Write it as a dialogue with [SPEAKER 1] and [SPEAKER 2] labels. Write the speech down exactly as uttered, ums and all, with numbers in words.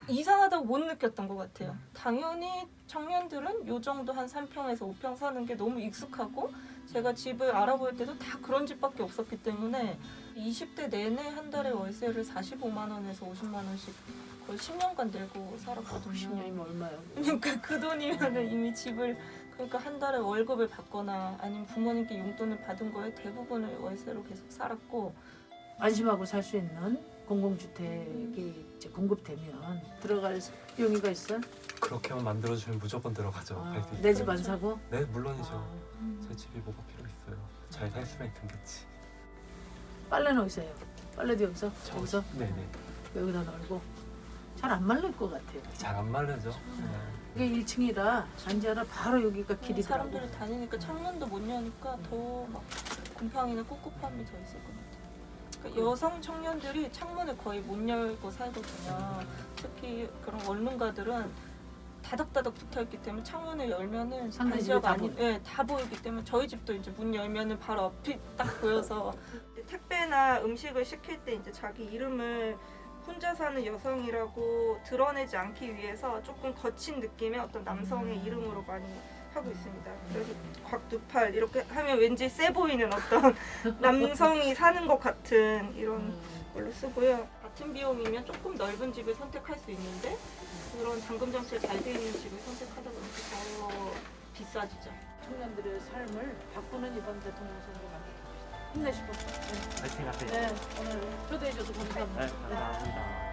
[SPEAKER 1] 이상하다고 못 느꼈던 것 같아요. 당연히 청년들은 요 정도 한 삼 평에서 오 평 사는 게 너무 익숙하고 제가 집을 알아볼 때도 다 그런 집밖에 없었기 때문에 이십 대 내내 한 달에 월세를 사십오만 원에서 오십만 원씩 거의 십 년간 내고 살았거든요.
[SPEAKER 2] 십 년이면 얼마요?
[SPEAKER 1] 그러니까 그 돈이면 이미 집을 그러니까 한 달에 월급을 받거나 아니면 부모님께 용돈을 받은 거에 대부분을 월세로 계속 살았고
[SPEAKER 2] 안심하고 살 수 있는 공공주택이 이제 공급되면 들어갈 용의가 있어?
[SPEAKER 3] 그렇게만 만들어주면 무조건 들어가죠.
[SPEAKER 2] 아,
[SPEAKER 3] 발디.
[SPEAKER 2] 내 집 안 사고?
[SPEAKER 3] 네, 물론이죠.
[SPEAKER 2] 아,
[SPEAKER 3] 제 집이 뭐가 필요 있어요. 잘 살수록 괜찮지.
[SPEAKER 2] 빨래는 어디서 해요? 빨래도 여기서? 저기서?
[SPEAKER 3] 네네.
[SPEAKER 2] 여기다 널고 잘 안 말릴 것 같아요.
[SPEAKER 3] 잘 안 마르죠. 네.
[SPEAKER 2] 이게 일 층이라 단지하라 바로 여기가 길이더라고.
[SPEAKER 1] 사람들이 다니니까 창문도 못 여니까 더 막 곰팡이나 꿉꿉함이 더 있을 것 같아요. 그러니까 여성 청년들이 창문을 거의 못 열고 살거든요. 특히 그런 원룸가들은 다닥다닥 붙어있기 때문에 창문을 열면은
[SPEAKER 2] 상대 집이
[SPEAKER 1] 단지역
[SPEAKER 2] 다
[SPEAKER 1] 아니, 예, 다 보이기 때문에 저희 집도 이제 문 열면은 바로 앞이 딱 보여서 택배나 음식을 시킬 때 이제 자기 이름을 혼자 사는 여성이라고 드러내지 않기 위해서 조금 거친 느낌의 어떤 남성의 이름으로 많이 하고 있습니다. 그래서 곽두팔 이렇게 하면 왠지 세 보이는 어떤 남성이 사는 것 같은 이런
[SPEAKER 2] 음.
[SPEAKER 1] 걸로 쓰고요. 같은 비용이면 조금 넓은 집을 선택할 수 있는데 그런 잠금 장치가 잘 돼 있는 집을 선택하다 보니까 더 비싸지죠.
[SPEAKER 2] 청년들의 삶을 바꾸는 이번 대통령 선거 만들어봅시다. 힘내시고. 네.
[SPEAKER 3] 파이팅 하세요.
[SPEAKER 2] 네, 오늘 초대해줘서 감사합니다.
[SPEAKER 3] 네, 감사합니다.